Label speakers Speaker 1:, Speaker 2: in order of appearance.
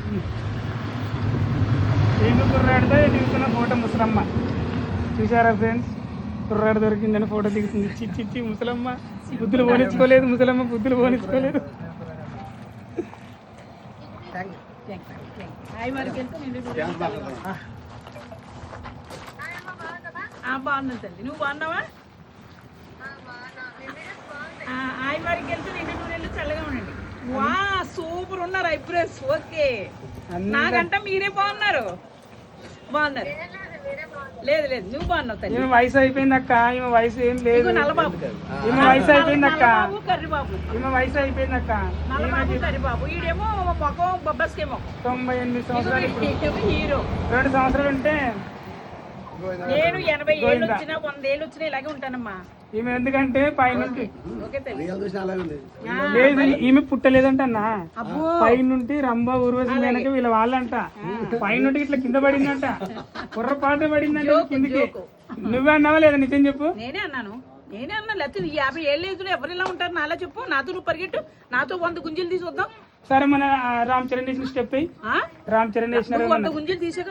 Speaker 1: ఏమి కుర్రాడితో దిగుతున్న ఫోటో ముసలమ్మ చూసారా ఫ్రెండ్స్? కుర్రాడు దొరికిందని ఫోటో దిగుతుంది. చిచ్చి ముసలమ్మ బుద్ధులు పోనిచ్చుకోలేదు, ముసలమ్మ బుద్ధులు పోనిచ్చుకోలేదు.
Speaker 2: బాగున్నా తల్లి, నువ్వు బాగున్నావా? ఆయి వారికి వెళ్తే 2 నెలలు చల్లగా ఉండండి. వా సూపర్ ఉన్నారు ఐబ్రోస్. ఓకే, నాకంటే మీరే బాగున్నారు. బాగున్నారు. లేదు లేదు, నువ్వు బాగున్నావు తల్లి.
Speaker 1: ఈమె వయసు అయిపోయింది అక్క, ఈమె వయసు ఏం లేదు.
Speaker 2: నల్లబాబు,
Speaker 1: ఈమె వయసు అయిపోయింది అక్క,
Speaker 2: కర్రీబాబు.
Speaker 1: ఈమె వయసు అయిపోయింది అక్క.
Speaker 2: నల్లబాబు కర్రీబాబు. ఈడేమో మొఖం బొబ్బస్కే మొఖం.
Speaker 1: 98 సంవత్సరాలు.
Speaker 2: హీరో
Speaker 1: 2 సంవత్సరాలు ఉంటే
Speaker 2: నేను 80 ఏళ్ళు వచ్చినా 100 ఏళ్ళు వచ్చినా ఇలాగే ఉంటానమ్మా.
Speaker 1: ఈమె ఎందుకంటే పైనుంటి
Speaker 2: ఓకే
Speaker 1: లేదు, ఈమె పుట్టలేదంట అన్న. పైనుంటి రంభ ఊర్వశి వెనక వీళ్ళ వాళ్ళంట. పైనుంటి ఇట్లా కింద పడిందంట, కుర్రపాట పడిందంట కిందికి. నువ్వే అన్నావా లేదా? నిజం చెప్పు.
Speaker 2: నేనే అన్నాను లేకపోతే 50 ఏళ్ళ ఏజ్లో ఎవరు ఇలా ఉంటారు? నాలా చెప్పు. నాతో నువ్వు పరిగెట్టు, నాతో 100 గుంజలు తీసి వద్దాం.
Speaker 1: సరే మన రామ్ చరణ్ వేసిన స్టెప్ రామ్ చరణ్ వేసిన
Speaker 2: 100 గుంజలు తీసే